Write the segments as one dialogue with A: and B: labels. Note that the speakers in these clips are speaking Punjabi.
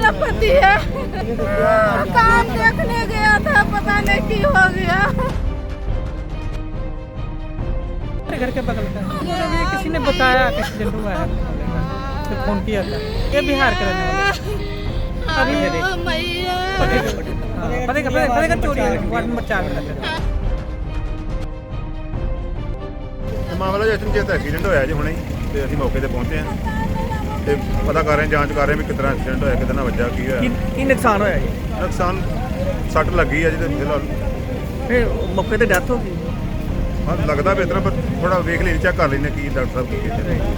A: मेरा पति है। काम देखने गया था, पता नहीं की हो गया।
B: घर के बगल का मुझे भी किसी ने बताया कि एक्सीडेंट हुआ है तो फोन किया था। ये बिहार के रहने वाले अभी फतेहगढ़ चोरी है वार्ड नंबर 4 में रहते हैं।
C: ਮਾਮਲਾ ਜਸ਼ਨ ਚੇਤ ਐਕਸੀਡੈਂਟ ਹੋਇਆ ਜੀ ਹੁਣੇ ਤੇ ਅਸੀਂ ਮੌਕੇ ਤੇ ਪਹੁੰਚੇ ਹਾਂ ਤੇ ਪਤਾ ਕਰ ਰਹੇ ਹਾਂ, ਜਾਂਚ ਕਰ ਰਹੇ ਹਾਂ ਵੀ ਕਿਤਨਾ ਐਕਸੀਡੈਂਟ ਹੋਇਆ, ਕਿਤੇ ਨਾਲ ਵੱਜਾ, ਕੀ ਹੋਇਆ।
D: ਕੀ ਨੁਕਸਾਨ ਹੋਇਆ ਜੀ?
C: ਨੁਕਸਾਨ ਸੱਟ ਲੱਗੀ ਹੈ ਜੀ ਤੇ ਫਿਲਹਾਲ
D: ਫਿਰ ਮੌਕੇ ਤੇ ਡੈਥ ਹੋ ਗਈ।
C: ਹਾਂ ਲੱਗਦਾ ਵੀ ਇਸ ਤਰ੍ਹਾਂ, ਪਰ ਥੋੜਾ ਵੇਖ ਲਈ, ਚੈੱਕ ਕਰ ਲੈਂਦੇ ਕੀ ਡਾਕਟਰ ਸਾਹਿਬ ਕੀ ਕਹਿੰਦੇ ਨੇ।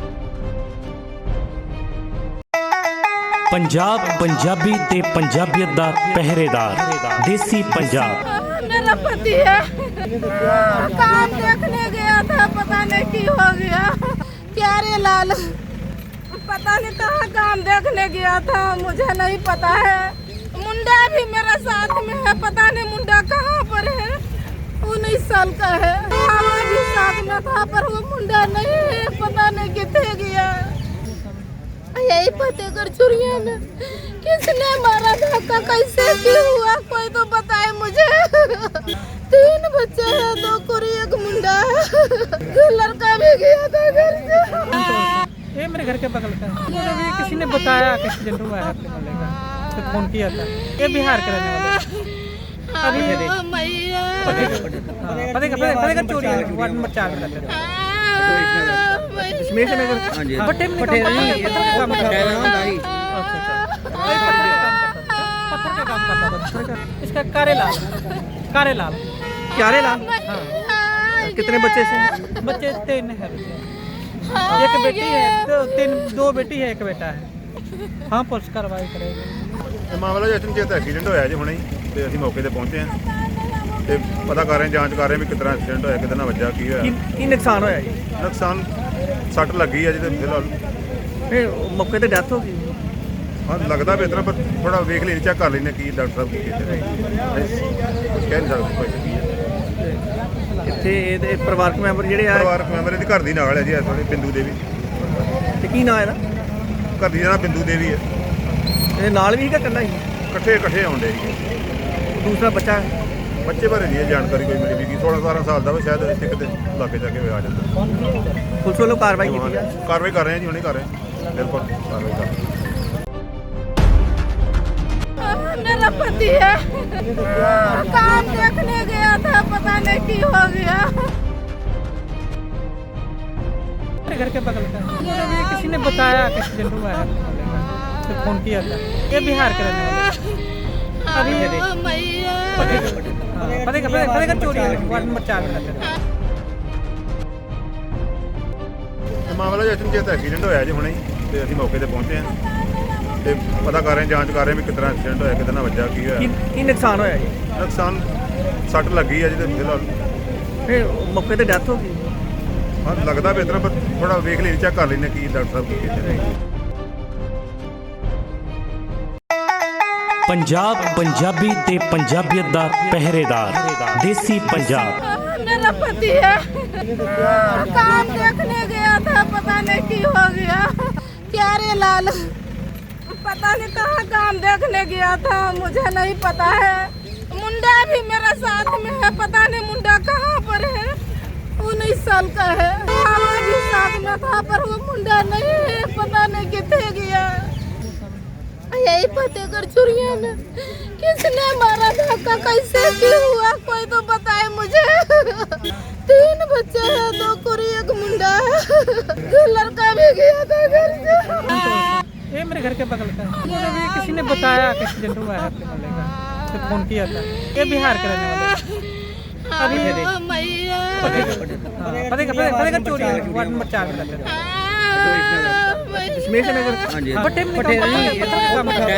E: पंजाब पंजाबी ते पंजाबियत दा पहरेदार देसी पंजाब।
A: मेरा पति है। काम देखने गया था, पता नहीं की हो गया। प्यारे लाल पता नहीं कहाँ काम देखने गया था, मुझे नहीं पता है। मुंडा भी मेरा साथ में है, पता नहीं मुंडा कहाँ पर है। 19 साल का है। हमारा भी साथ में था पर वो मुंडा नहीं है, पता नहीं कितने गया। यही फतेहगढ़ चुरिया में किसने मारा, धक्का कैसे क्यों हुआ, कोई तो बताए मुझे। 3 बच्चे हैं, 2 कुरी 1 मुंडा है। लड़का भी गया था घर से।
B: ये मेरे घर के बगल का मुझे भी किसी ने बताया कि एक्सीडेंट हुआ है अपने वाले का तो फोन किया था। ये बिहार के रहने वाले अभी फतेहगढ़ चोरी है वार्ड नंबर 4 में रहते हैं।
D: दशमेश नगर
B: भट्टे में पत्थर का काम करता था। इसका कारेलाल
D: क्यारे लाल।
B: हाँ
D: कितने बच्चे से?
B: बच्चे 3 है, एक बेटी है, 2 बेटी है, 1 बेटा है। हाँ पुलिस कार्रवाई करेगी।
C: ਮਾਮਲਾ ਜਸ਼ਨ ਚੇਤ ਐਕਸੀਡੈਂਟ ਹੋਇਆ ਜੀ ਹੁਣੇ ਤੇ ਅਸੀਂ ਮੌਕੇ ਤੇ ਪਹੁੰਚੇ ਹਾਂ ਤੇ ਪਤਾ ਕਰ ਰਹੇ ਹਾਂ, ਜਾਂਚ ਕਰ ਰਹੇ ਹਾਂ ਵੀ ਕਿਤਨਾ ਐਕਸੀਡੈਂਟ ਹੋਇਆ, ਕਿਤੇ ਨਾਲ ਵੱਜਾ, ਕੀ ਹੋਇਆ।
D: ਕੀ ਨੁਕਸਾਨ ਹੋਇਆ ਜੀ?
C: ਨੁਕਸਾਨ ਸੱਟ ਲੱਗੀ ਹੈ ਜੀ ਤੇ ਫਿਲਹਾਲ
D: ਫਿਰ ਮੌਕੇ ਤੇ ਡੈਥ ਹੋ ਗਈ।
C: ਹਾਂ ਲੱਗਦਾ ਵੀ ਇਸ ਤਰ੍ਹਾਂ, ਪਰ ਥੋੜਾ ਵੇਖ ਲਈ, ਚੈੱਕ ਕਰ ਲੈਂਦੇ ਕੀ ਡਾਕਟਰ ਸਾਹਿਬ ਕੀ ਕਹਿੰਦੇ ਨੇ। ਕੁਝ ਕਹਿ ਨਹੀਂ ਸਕਦੇ ਕੋਈ ਕੀ ਹੈ।
D: ਇੱਥੇ ਇਹਦੇ ਪਰਿਵਾਰਕ ਮੈਂਬਰ ਜਿਹੜੇ ਆ,
C: ਪਰਿਵਾਰਕ ਮੈਂਬਰ ਇਹਦੀ ਘਰ ਦੀ ਨਾਲ ਹੈ ਜੀ, ਇਸ ਵੇਲੇ ਬਿੰਦੂ ਦੇਵੀ।
D: ਤੇ ਕੀ ਨਾਂ ਇਹਦਾ?
C: ਘਰ ਦੀ ਨਾਲ ਬਿੰਦੂ ਦੇਵੀ ਹੈ।
D: ਇਹ ਨਾਲ ਵੀ ਹੈਗਾ ਇਕੱਲਾ ਹੀ?
C: ਇਕੱਠੇ ਆਉਂਦੇ ਜੀ।
D: ਦੂਸਰਾ ਬੱਚਾ?
C: ਬੱਚੇ ਬਾਰੇ ਨਹੀਂ ਇਹ ਜਾਣਕਾਰੀ ਕੋਈ ਮਿਲੀ ਵੀ 16-17 ਸਾਲ ਦਾ ਵਾ, ਸ਼ਾਇਦ ਇੱਥੇ ਕਿਤੇ ਲਾਗੇ ਜਾ ਕੇ ਆ ਜਾਂਦਾ।
D: ਪੁਲਿਸ ਵੱਲੋਂ ਕਾਰਵਾਈ ਕੀਤੀ ਜਾ?
C: ਕਾਰਵਾਈ ਕਰ ਰਹੇ ਹਾਂ ਜੀ, ਹੁਣੇ ਕਰ ਰਹੇ ਹਾਂ, ਬਿਲਕੁਲ ਕਾਰਵਾਈ ਕਰ ਰਹੇ ਹਾਂ।
A: मेरा पति है। काम देखने गया था, पता नहीं की हो गया।
B: मेरे घर के बगल का मुझे भी किसी ने बताया कि एक्सीडेंट हुआ है अपने वाले का तो फोन किया था। ये बिहार के रहने वाले अभी फतेहगढ़ चोरी है वार्ड नंबर 4 में रहते हैं।
C: ਮਾਮਲਾ ਜਸ਼ਨ ਚੇਤ ਐਕਸੀਡੈਂਟ ਹੋਇਆ ਜੀ ਹੁਣੇ ਤੇ ਅਸੀਂ ਮੌਕੇ ਤੇ ਪਹੁੰਚੇ ਹਾਂ ਤੇ ਪਤਾ ਕਰ ਰਹੇ ਹਾਂ, ਜਾਂਚ ਕਰ ਰਹੇ ਹਾਂ ਵੀ ਕਿਤਨਾ ਐਕਸੀਡੈਂਟ ਹੋਇਆ, ਕਿਤੇ ਨਾਲ ਵੱਜਾ, ਕੀ ਹੋਇਆ।
D: ਕੀ ਨੁਕਸਾਨ ਹੋਇਆ ਜੀ?
C: ਨੁਕਸਾਨ ਸੱਟ ਲੱਗੀ ਹੈ ਜੀ ਤੇ ਫਿਲਹਾਲ
D: ਫਿਰ ਮੌਕੇ ਤੇ ਡੈਥ ਹੋ ਗਈ।
C: ਹਾਂ ਲੱਗਦਾ ਵੀ ਇਸ ਤਰ੍ਹਾਂ, ਪਰ ਥੋੜਾ ਵੇਖ ਲਈ, ਚੈੱਕ ਕਰ ਲੈਂਦੇ ਕੀ ਡਾਕਟਰ ਸਾਹਿਬ ਕੀ ਕਹਿੰਦੇ ਨੇ।
E: पंजाब पंजाबी ते पंजाबियत दा पहरेदार देसी पंजाब।
A: मेरा पति है। काम देखने गया था, पता नहीं की हो गया। प्यारे लाल पता नहीं कहाँ काम देखने गया था, मुझे नहीं पता है। मुंडा भी मेरा साथ में है, पता नहीं मुंडा कहाँ पर है। 19 साल का है। हमारा भी साथ में था पर वो मुंडा नहीं है, पता नहीं कितने गया। यही फतेहगढ़ चुरिया में किसने मारा, धक्का कैसे क्यों हुआ, कोई तो बताए मुझे। 3 बच्चे हैं, 2 कुरी 1 मुंडा है। लड़का भी गया था घर से।
B: ये मेरे घर के बगल का मुझे भी किसी ने बताया कि एक्सीडेंट हुआ है अपने वाले का तो फोन किया था। ये बिहार के रहने वाले अभी फतेहगढ़ चोरी है वार्ड नंबर 4 में रहते हैं।
D: दशमेश नगर
B: भट्टे में पत्थर का काम करता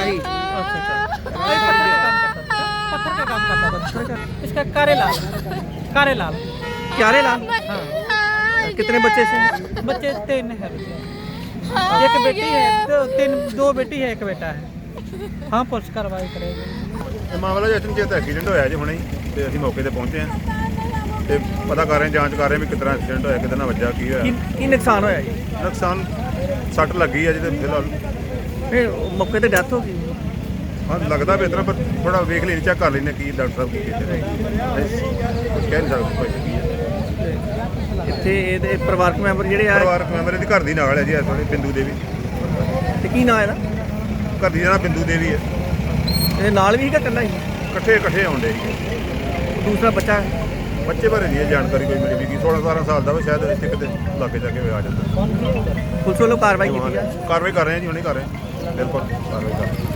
B: था। इसका कारेलाल
D: क्यारे लाल।
B: हाँ
D: कितने बच्चे से?
B: बच्चे 3 है, एक बेटी है, 2 बेटी है, 1 बेटा है। हाँ पुलिस कार्रवाई करेगी।
C: ਮਾਮਲਾ ਜਸ਼ਨ ਚੇਤ ਐਕਸੀਡੈਂਟ ਹੋਇਆ ਜੀ ਹੁਣੇ ਤੇ ਅਸੀਂ ਮੌਕੇ ਤੇ ਪਹੁੰਚੇ ਹਾਂ ਤੇ ਪਤਾ ਕਰ ਰਹੇ ਹਾਂ, ਜਾਂਚ ਕਰ ਰਹੇ ਹਾਂ ਵੀ ਕਿਤਨਾ ਐਕਸੀਡੈਂਟ ਹੋਇਆ, ਕਿਤੇ ਨਾਲ ਵੱਜਾ, ਕੀ ਹੋਇਆ।
D: ਕੀ ਨੁਕਸਾਨ ਹੋਇਆ ਜੀ?
C: ਨੁਕਸਾਨ ਸੱਟ ਲੱਗੀ ਹੈ ਜੀ ਤੇ ਫਿਲਹਾਲ
D: ਇਹ ਮੌਕੇ ਤੇ ਡੈਥ ਹੋ ਗਈ।
C: ਹਾਂ ਲੱਗਦਾ ਵੀ ਇਸ ਤਰ੍ਹਾਂ, ਪਰ ਥੋੜਾ ਵੇਖ ਲੈਣੀ, ਚੈੱਕ ਕਰ ਲੈਣੇ ਕੀ ਡਾਕਟਰ ਸਾਹਿਬ ਕੀ ਕਹਿੰਦੇ ਨੇ। ਕੁਝ ਕਹਿ ਨਹੀਂ ਸਕਦੇ ਭਾਈ ਕੀ ਹੈ।
D: ਇੱਥੇ ਇਹਦੇ ਪਰਿਵਾਰਕ ਮੈਂਬਰ ਜਿਹੜੇ ਆ,
C: ਪਰਿਵਾਰਕ ਮੈਂਬਰ ਇਹਦੀ ਘਰ ਦੀ ਨਾਲ ਹੈ ਜੀ, ਇਸ ਵੇਲੇ ਬਿੰਦੂ ਦੇਵੀ।
D: ਤੇ ਕੀ ਨਾਂ ਇਹਦਾ?
C: ਘਰ ਦੀ ਦਾ ਬਿੰਦੂ ਦੇਵੀ ਹੈ।
D: ਇਹਦੇ ਨਾਲ ਵੀ ਹੈਗਾ ਇਕੱਲਾ ਹੀ?
C: ਇਕੱਠੇ ਆਉਂਦੇ ਜੀ।
D: ਦੂਸਰਾ ਬੱਚਾ?
C: ਬੱਚੇ ਬਾਰੇ ਨਹੀਂ ਇਹ ਜਾਣਕਾਰੀ ਕੋਈ ਮਿਲੀ ਵੀ ਕੀ 16-17 ਸਾਲ ਦਾ ਵਾ, ਸ਼ਾਇਦ ਇੱਥੇ ਕਿਤੇ ਲਾਗੇ ਜਾ ਕੇ ਆ ਜਾਂਦਾ।
D: ਪੁਲਿਸ ਵੱਲੋਂ ਕਾਰਵਾਈ ਕੀਤੀ ਜਾ?
C: ਕਾਰਵਾਈ ਕਰ ਰਹੇ ਹਾਂ ਜੀ, ਹੁਣੇ ਕਰ ਰਹੇ ਹਾਂ, ਬਿਲਕੁਲ ਕਾਰਵਾਈ ਕਰ ਰਹੇ ਹਾਂ।